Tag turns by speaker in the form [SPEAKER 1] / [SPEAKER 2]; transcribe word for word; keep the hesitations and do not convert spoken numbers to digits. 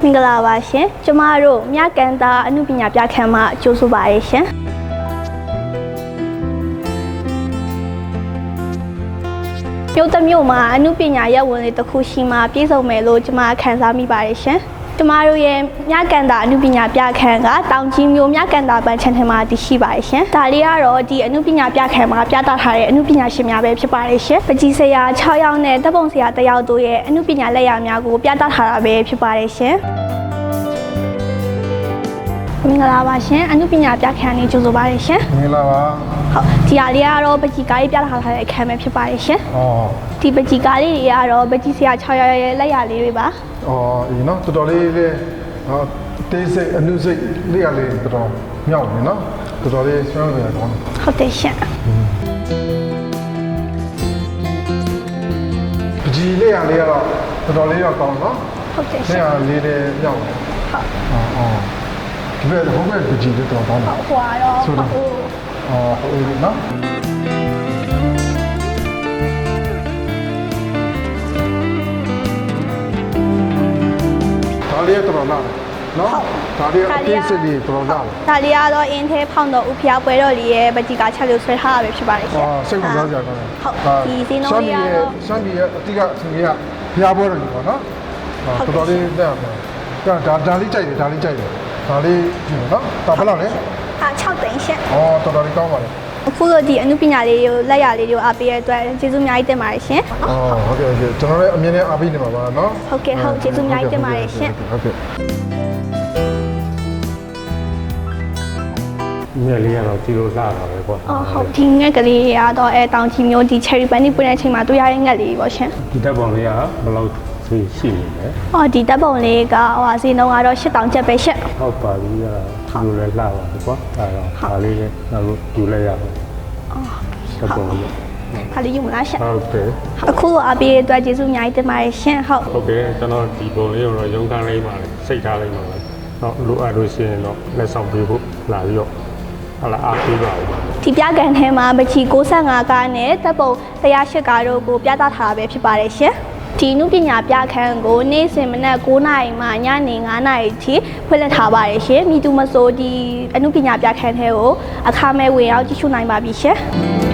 [SPEAKER 1] မင်္ဂလာပါရှင်ကျမတို့မြကန်တာအမှုပညာပြခန်းမှာကြိုးဆိုပါရရှင်မြို့တစ်မြို့မှာအမှုပညာရပ်ဝင်လေးတစ်ခုရှိမှပြည့်စုံမယ်လို့ကျမခံစားမိပါတယ်ရှင်ကျမတို့ရဲ့မြကန်တာအမှုပညာပြခန်းကတောင်ကြီးမြို့မြကန်တာပန်းချန်ထင်မှာတည်ရှိပါတယ်ရှင်ဒါလေးကတော့ဒီအမှုပညာပြခန်းမှာပြသထားတဲ့အမှုပညာရှင်များပဲဖြစ်ပါတယ်ရှင်ပကြီးဆရာ၆ယောက်နဲ့တပ်ပုံဆရာတစ်ယောက်တို့ရဲ့အမှုပညာလက်ရာများကိုပြသထားတာပဲဖြစ်ပါတယ်ရှင်မင်္ဂလာပါရှင်အမှုပညာပြခန်းလေးကြိုဆိုပါရရှင်
[SPEAKER 2] မင်္ဂလာပါ
[SPEAKER 1] ဟုတ်ဒီဟာလေးကတော့ပကြီးကားလေးပြသထားတဲ့အခန်းပဲဖြစ်ပါတယ်ရှင်
[SPEAKER 2] ဩ
[SPEAKER 1] ဒီပကြီးကားလေးတွေကတော့ပကြီးဆရာ၆ယောက်ရဲ့လက်ရာလေးတွေပါ
[SPEAKER 2] ဩအေးနော်တော်တော်လေးလေးဟောတေးစိတ်အနုစိတ်လေးရလေးတော်တော်မြောက်နေနော်တော်တော်လေးဆွမ်းရတော့
[SPEAKER 1] ဟုတ်တယ်ရှင်
[SPEAKER 2] ပကြီးလေးရလေးကတော့တော်တော်လေးတော့ကောင်းနော်
[SPEAKER 1] ဟုတ်တယ်ရှင်
[SPEAKER 2] လေးရလေးလေးမြောက်ဟုတ်ဩဩဒီဘက်ဟိုဘက်ပကြီးလေးတော်ကောင်းတယ်
[SPEAKER 1] ဟွာတော့
[SPEAKER 2] ဆိုတော့ဩဟုတ်ပြီနော်ဒါလေးတော်လာနော်ဒါလေးအသေးစိတ်လေးတော်လာ
[SPEAKER 1] ဒါလေးကတော့အင်းသေးဖောင်းတော့ဥဖျားပွဲတော်လေးရဲ့ပကြီးကချက်လို့ဆွဲထားတာပဲဖြစ်ပါတယ်ရှင်
[SPEAKER 2] ဩစိတ်ဝင်စားကြတယ်
[SPEAKER 1] ဟုတ်ဒီစင်းလုံးလေးကတော့
[SPEAKER 2] စွမ်းပြည်ရဲ့အတိကအစင်ကြီးကဖျားပွဲတော်ကြီးပေါ့နော်တော်တော်လေးတက်အောင်ဒါဒါဒါလေးကြိုက်တယ်ဒါလေးကြိုက်တယ်ဒါလေးကြည့်နော်ဒါဘယ်လောက်လဲ
[SPEAKER 1] အာ၆သိန်းရှင်
[SPEAKER 2] ဩတော်တော်လေးကောင်းပါလေ
[SPEAKER 1] အခုတော့ဒီအမှုပညာလေးကိုလက်ရလေးကိုအားပေးရတဲ့အတွက်ကျေးဇူးအများကြီးတင်ပါတယ်ရှင်
[SPEAKER 2] ။အော်ဟုတ်ကဲ့ဟုတ်ကဲ့ကျွန်တော်လည်းအမြင်နဲ့အားပေးနေပါပါနော်
[SPEAKER 1] ။ဟုတ်ကဲ့ဟုတ်ကျေးဇူးအများကြီးတင်ပါတယ်ရှင်
[SPEAKER 2] ။ဟုတ်ကဲ့
[SPEAKER 3] မြက်လေးကတော့ကြည့်လို့လှတာပဲပေါ့
[SPEAKER 1] ။အော်ဟုတ်ဒီငှက်ကလေးကတော့အဲတောင်ချီမျိုးဒီ cherry bunny ပွင့်တဲ့အချိန်မှာတွေ့ရတဲ့ငှက်လေးပေါ့ရှင်
[SPEAKER 3] ။ဒီတက်ပုံလေးကဘယ်လောက်ရှိရှိနေလဲ
[SPEAKER 1] ။အော်ဒီတက်ပုံလေးကဟိုဟာစီနှုံကတော့၈တောင်ကျပ်ပဲရှင်
[SPEAKER 3] ။ဟုတ်ပါပြီကဒီလိုလဲလှပါပြီပေါ့။အဲတော့ဒါလေးလည်းတော့ယူလိုက်ရအောင်။
[SPEAKER 1] အော်
[SPEAKER 3] တက်ပုံလေး
[SPEAKER 1] ခါလေးယူမလားရှင်
[SPEAKER 3] ဟုတ်တယ်
[SPEAKER 1] အခုအပေးအတွက်ကျေးဇူးအများကြီးတင်ပါတယ်ရှင်ဟုတ်
[SPEAKER 3] ဟုတ်ကဲ့ကျွန်တော်ဒီပုံလေးကိုတော့ရုံးခန်းလေးပါလေစိတ်ထားလိုက်ပါမယ်တော့လိုအပ်လို့ရှိရင်တော့လက်ဆောင်ပေးဖို့လာပြီးတော့ဟလာအားပေးပါဦး
[SPEAKER 1] ဒီပြကန်ထဲမှာပချီ၉၅ကားနဲ့တပ်ပုံ၁၀၈ကားတို့ကိုပြသထားတာပဲဖြစ်ပါတယ်ရှင်ဒီနုပညာပြခန်းကိုနေ့စဉ်မနက်၉နာရီမှညနေ၅နာရီထိဖွင့်လှစ်ထားပါတယ်ရှင်မိသူမဆိုဒီအနုပညာပြခန်းထဲကိုအခမဲ့ဝင်ရောက်ကြည့်ရှုနိုင်ပါပြီရှင်